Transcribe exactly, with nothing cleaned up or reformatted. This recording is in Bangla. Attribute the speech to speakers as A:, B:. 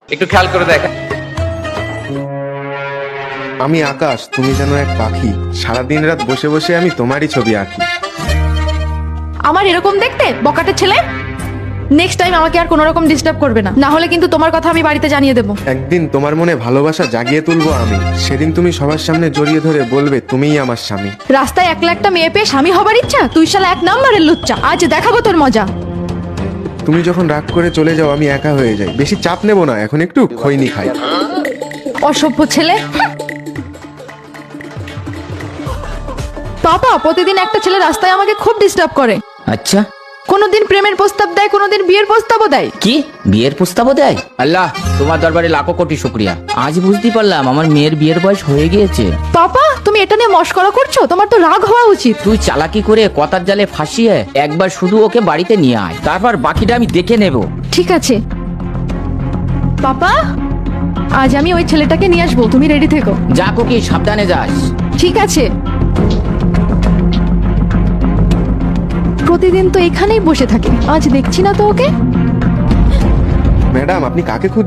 A: একটু খেয়াল করে দেখ।
B: আমি আকাশ, তুমি যেন এক পাখি। সারাদিন রাত বসে বসে আমি তোমারই ছবি আঁকি।
C: আমার এরকম দেখতে বকাটে ছেলে? নেক্সট টাইম আমাকে আর কোনো রকম ডিস্টার্ব করবে না, না হলে কিন্তু তোমার কথা আমি বাড়িতে জানিয়ে দেবো।
B: একদিন তোমার মনে ভালোবাসা জাগিয়ে তুলবো আমি। সেদিন তুমি সবার সামনে জড়িয়ে ধরে বলবে তুমিই আমার স্বামী।
C: রাস্তায় একলা একটা মেয়ে পেয়ে স্বামী হবার ইচ্ছা? তুই শালা এক নম্বরের লুচ্চা, আজ দেখাবো তোর মজা।
B: তুমি যখন রাগ করে চলে যাও আমি একা হয়ে যাই। বেশি চাপ নেব না, এখন একটু খৈনি খাই।
C: অসভ্য ছেলে। পাপা, প্রতিদিন একটা ছেলে রাস্তায় আমাকে খুব ডিস্টার্ব করে।
D: আচ্ছা,
C: কোনোদিন প্রেমের প্রস্তাব দেয়, কোনোদিন বিয়ের প্রস্তাবও দেয়।
D: কি বিয়ের প্রস্তাবও দেয়? আল্লাহ, তোমার দরবারে লাখো কোটি শুকরিয়া। আজ বুঝতে পারলাম আমার মেয়ের বিয়ের বয়স হয়ে গিয়েছে।
C: পাপা, তুমি এটা নিয়ে মশকরা করছো? তোমার তো রাগ হওয়া উচিত।
D: তুই চালাকি করে কথার জালে ফাঁসিয়ে একবার শুধু ওকে বাড়িতে নিয়ে আয়, তারপর বাকিটা আমি দেখে নেব।
C: ঠিক আছে পাপা, আজ আমি ওই ছেলেটাকে নিয়ে আসবো, তুমি রেডি থেকো।
D: যা কোকি, সাবধানে যাস।
C: ঠিক আছে। প্রতিদিন তো এখানেই বসে থাকে, আজ দেখছি না তো ওকে।
B: ম্যাডাম, আপনি কাকে খুঁজছেন?